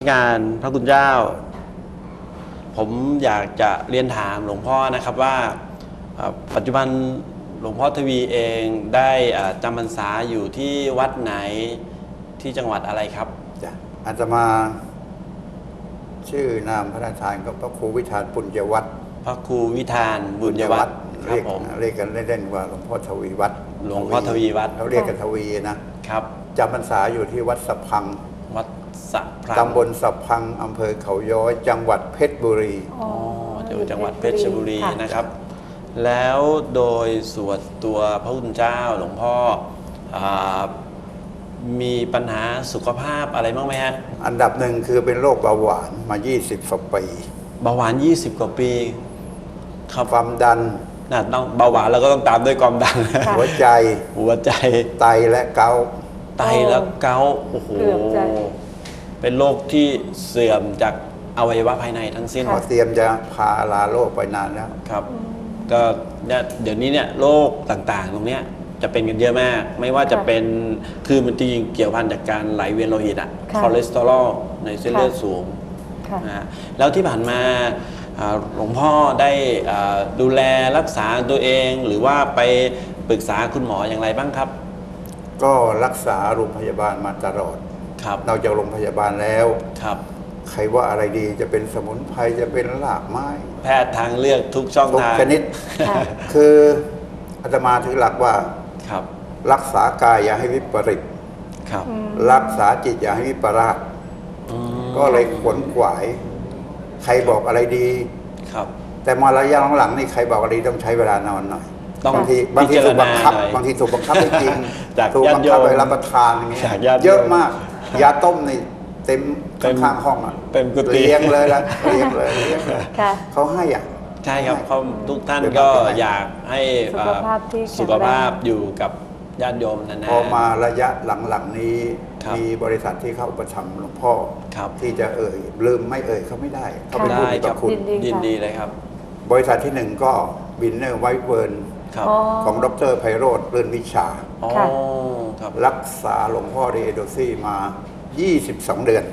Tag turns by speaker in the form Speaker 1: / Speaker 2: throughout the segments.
Speaker 1: การพระคุณเจ้าผมอยากจะเรียนถามหลวงพ่อนะครับว่าปัจจุบันหลวงพ่อทวีเองได้จำพรรษาอยู่ที่วัดไหนที่จังหวัดอะไรครับ
Speaker 2: อาตมาชื่อนามพระราชทานกับพระครูวิธานปุญญวัฒน์
Speaker 1: พระครูวิธานบุญยวัฒน์
Speaker 2: เรียกกันเล่นๆว่าหลวงพ่อทวีวัฒน์
Speaker 1: หลวงพ่อทวีวัฒน์
Speaker 2: เขาเรียกกันทวีนะครับจำพรรษาอยู่ที่วัดสะพัง
Speaker 1: วัดสะพัง
Speaker 2: ตำบลสะพังอำเภอเขาย้อยจังหวัดเพชรบุรี
Speaker 1: อยู่จังหวัดเพชรบุรีนะครับแล้วโดยส่วนตัวพระคุณเจ้าหลวงพ่อมีปัญหาสุขภาพอะไรบ้างไหมฮะ
Speaker 2: อันดับหนึ่งคือเป็นโรคเบาหวานมา20กว่าปี
Speaker 1: เบาหวาน20กว่าปี
Speaker 2: ครับความดัน
Speaker 1: ต้องเบาหวานแล้วก็ต้องตามด้วยความดัน
Speaker 2: หัวใจไตและเกาต์
Speaker 1: โอ้โหเป็นโรคที่เสื่อมจากอวัยวะภายในทั้งสิ้น
Speaker 2: เตรียมจะพาลาโรคไปนานแล้ว
Speaker 1: ครับก็เดี๋ยวนี้เนี่ยโรคต่างๆตรงเนี้ยจะเป็นกันเยอะมากไม่ว่าจะเป็นคือมันจริงเกี่ยวพันจากการไหลเวียนโลหิตคอเลสเตอรอลในเส้นเลือดสูงนะแล้วที่ผ่านมาหลวงพ่อได้ดูแลรักษาตัวเองหรือว่าไปปรึกษาคุณหมออย่างไรบ้างครับ
Speaker 2: ก็รักษาโรงพยาบาลมาตลอดเราจากโรงพยาบาลแล้วใครว่าอะไรดีจะเป็นสมุนไพรจะเป็นรากไม้
Speaker 1: แพทย์ทางเลือกทุกช่องทาง
Speaker 2: ชนิดคืออาตมาถือหลักว่ารักษากายอย่าให้วิปริตรักษาจิตอย่าให้วิปราสก็เลยขวนขวายใครบอกอะไรดีแต่มาระยะหลังๆนี่ใครบอกอะไรต้องใช้เวลานอนหน่อยบางทีถูกบังคับจริงถูกบังคับไปรับประทานอย่างเงี้ยเยอะมากยาต้มนี่เต็มข้างห้อง
Speaker 1: เต็มกุฏิ
Speaker 2: เลี้ยงเลยเขาให้
Speaker 1: ใช่ครับเขาทุกท่านก็อยากให้สุขภาพอยู่กับญาติโยมนานๆ
Speaker 2: พอมาระยะหลังๆนี้มีบริษัทที่เข้าประชำหลวงพ่อที่จะลืมไม่เขาไม่ได้เขาเป็นผู้มีพระคุณ
Speaker 1: ยินดีเลยครับ
Speaker 2: บริษัทที่หนึ่งก็บินเนอร์ไวท์เวิร์นของดร.ไพโรจน์เลื่อนวิชารักษาหลวงพ่อเดโดซี่มา22 เดือน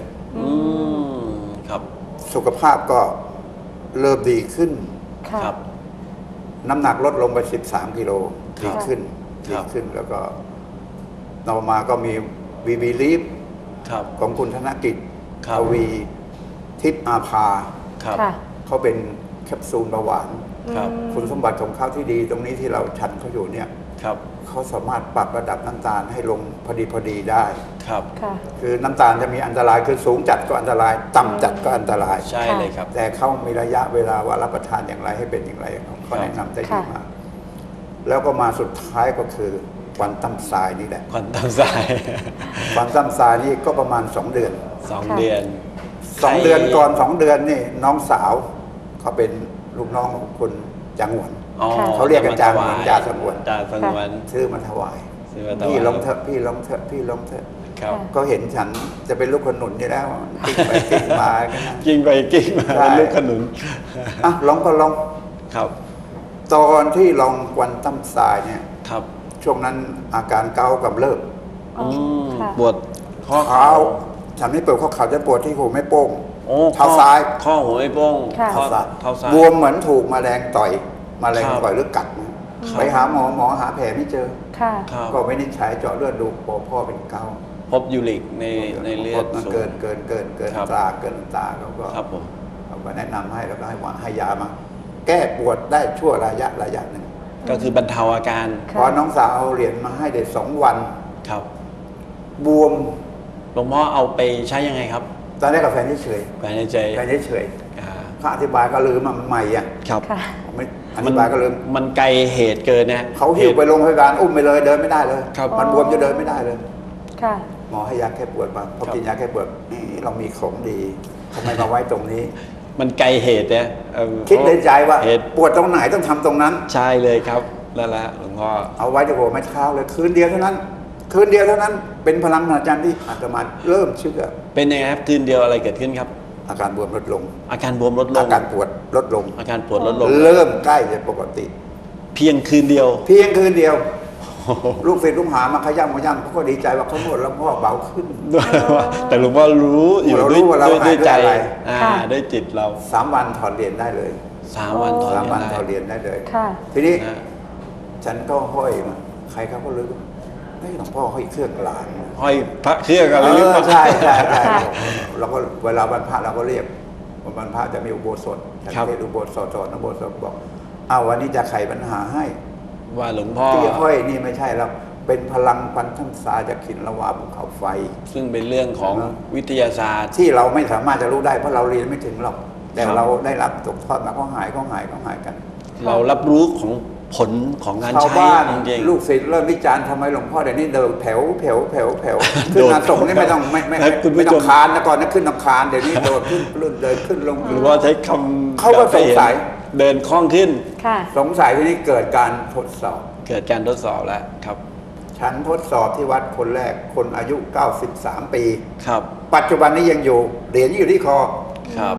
Speaker 2: สุขภาพก็เริ่มดีขึ้นน้ำหนักลดลงไป13 กิโลดีขึ้นแล้วก็ต่อมาก็มีวีบีลีฟของคุณธนกิจทวีทิพย์อาภาเขาเป็นแคปซูลเบาหวานคุณสมบัติของเขาที่ดีตรงนี้ที่เราฉันเขาอยู่เนี่ยเขาสามารถปรับระดับน้ำตาลให้ลงพอดีได้คือน้ำตาลจะมีอันตรายคือสูงจัดก็อันตรายต่ำจัดก็อันตราย
Speaker 1: ใช่เลยครับ
Speaker 2: แต่เขามีระยะเวลาว่ารับประทานอย่างไรให้เป็นอย่างไรเขาแนะนำได้ดีมากแล้วก็มาสุดท้ายก็คือควันตั้มทรายนี่แหละ
Speaker 1: ควันตั้มทราย
Speaker 2: นี่ก็ประมาณ2 เดือน
Speaker 1: 2 เดือน
Speaker 2: ก่อน2 เดือนนี่น้องสาวเขาเป็นลูกน้องของคุณจางหวนเขาเรียกกันจางหวนจ่าสงวนซื้อมาถวายพี่ลงเถอะก็เห็นฉันจะเป็นลูกขนุนอยู่แล้วกิ้งไปกิ้งมา
Speaker 1: เป็นลูกขนุน
Speaker 2: ลองก็ลองตอนที่ลองควันตั้มทรายเนี่ยช่วงนั้นอาการเกากำเริบ
Speaker 1: ปวด
Speaker 2: ข้อเท้าฉันไม่ปวดข้อเข่าจะปวดที่หูไม่โป้งเท้าซ้าย
Speaker 1: ข้อหัวไม่โป้ง
Speaker 2: เท้าซ้ายบวมเหมือนถูกแมลงต่อยหรือกัดไปหาหมอหาแผลไม่เจอก็ไม่ได้ใช้เจาะเลือดดูพ่อเป็นเกา
Speaker 1: พบยูริกในเลือด
Speaker 2: เกินตราเกินตาเขาก็แนะนำให้แล้วก็ให้ยามาแก้ปวดได้ชั่วระยะหนึ่ง
Speaker 1: ก็คือบรรเทาอาการ
Speaker 2: พอน้องสาวเอาเหรียญมาให้เด็ก2 วันบวม
Speaker 1: หลวงพ่อเอาไปใช้ยังไงครับ
Speaker 2: ตอนแรกกับแฟนเฉยเขาอธิบายก็ลืมมันใหม่ไม่อธิบายก็ลืม
Speaker 1: มันไกลเหตุเกินนะ
Speaker 2: เขาหิ้วไปโรงพยาบาลอุ้มไปเลยเดินไม่ได้เลยมันบวมจะเดินไม่ได้เลยหมอให้ยาแก้ปวดมาพอกินยาแก้ปวดนี่เรามีของดีทำไมมาไว้ตรงนี้
Speaker 1: มันไกลเหตุเนี่ย
Speaker 2: คิดในใจว่าปวดตรงไหนต้องทำตรงนั้น
Speaker 1: ใช่เลยครับแล้วละหลวงพ่อ
Speaker 2: เอาไว้ที่หัวไม่เท้าเลยคืนเดียวเท่านั้นเป็นพลังมหัศจรรย์ที่อาตมาเริ่มเชื่อ
Speaker 1: เป็นยังไงครับคืนเดียวอะไรเกิดขึ้นครับ
Speaker 2: อาการบวมลดลง
Speaker 1: อาการปวดลดลง
Speaker 2: เริ่มใกล้จะปกติ
Speaker 1: เพียงคืนเดียว
Speaker 2: ลูกศิษย์ลูกหามาขย้ำเขาก็ดีใจว่าเขานวดแล้วพ่อเบาขึ้น
Speaker 1: แต่หลวงพ่อรู้อยู่
Speaker 2: เรารู้
Speaker 1: ด้วย
Speaker 2: ว่าเรา
Speaker 1: ด้วย
Speaker 2: หายด้วย
Speaker 1: ใจ
Speaker 2: อะไร
Speaker 3: ค่ะ
Speaker 1: ด้วยจิตเรา
Speaker 2: 3 วันถอดเหรียญได้เลย
Speaker 1: 3 วันถอด
Speaker 2: 3 วัน
Speaker 1: ได้
Speaker 2: ถอดเหรียญได้เลย
Speaker 3: ค่ะ
Speaker 2: ทีนี้
Speaker 1: นะ
Speaker 2: ฉันก็ห้อยมาใครเขาก็รู้เฮ้ยหลวงพ่อห้อยเครื่องหลาน
Speaker 1: ห้อยพระเครื่องอะไร
Speaker 2: เอ
Speaker 1: หรือ
Speaker 2: อ
Speaker 1: เปล่า
Speaker 2: ใช่ใช่ใช่
Speaker 3: ค่ะ
Speaker 2: เราก็เวลาวันพระเราก็เรียกวันพระจะมีอุโบสถฉัน
Speaker 1: ครับ
Speaker 2: เทศน์อุโบสถสอนอุโบสถบอกอ้าววันนี้จะไขปัญหาให้
Speaker 1: ว่าหลวงพ่อ
Speaker 2: ที่ห้อยนี่ไม่ใช่แล้วเป็นพลังพันธสาจากขินละวาภูเขาไฟ
Speaker 1: ซึ่งเป็นเรื่องของวิทยาศาสตร์
Speaker 2: ที่เราไม่สามารถจะรู้ได้เพราะเราเรียนไม่ถึงหรอกแต่
Speaker 1: ครับ
Speaker 2: เราได้รับตกทอดมาก็หายกัน
Speaker 1: เรารับรู้ของผลของงาน
Speaker 2: ชาว
Speaker 1: ใช้
Speaker 2: บ้าน
Speaker 1: จริง
Speaker 2: ลูกศิษย์เริ่มวิจารณ์ทำไมหลวงพ่อเดี๋ยวนี้เดินแถวขึ้นมาส่งนี่ไม่ต้องไม่ต้องคานนะก่อนนะขึ้นต้องคานเดี๋ยวนี้โดดขึ้นเดินขึ้นลง
Speaker 1: หรือว่าใช้คำ
Speaker 2: เขาก็สงสัย
Speaker 1: เดินคล่องขึ้น
Speaker 3: ค่ะ
Speaker 2: สงสัยทีนี้เกิดการทดสอบ
Speaker 1: เกิดการทดสอบแล้วครับ
Speaker 2: ฉันทดสอบที่วัดคนแรกคนอายุ 93 ปี
Speaker 1: ครับ
Speaker 2: ปัจจุบันนี้ยังอยู่เหรียญอยู่ที่คอ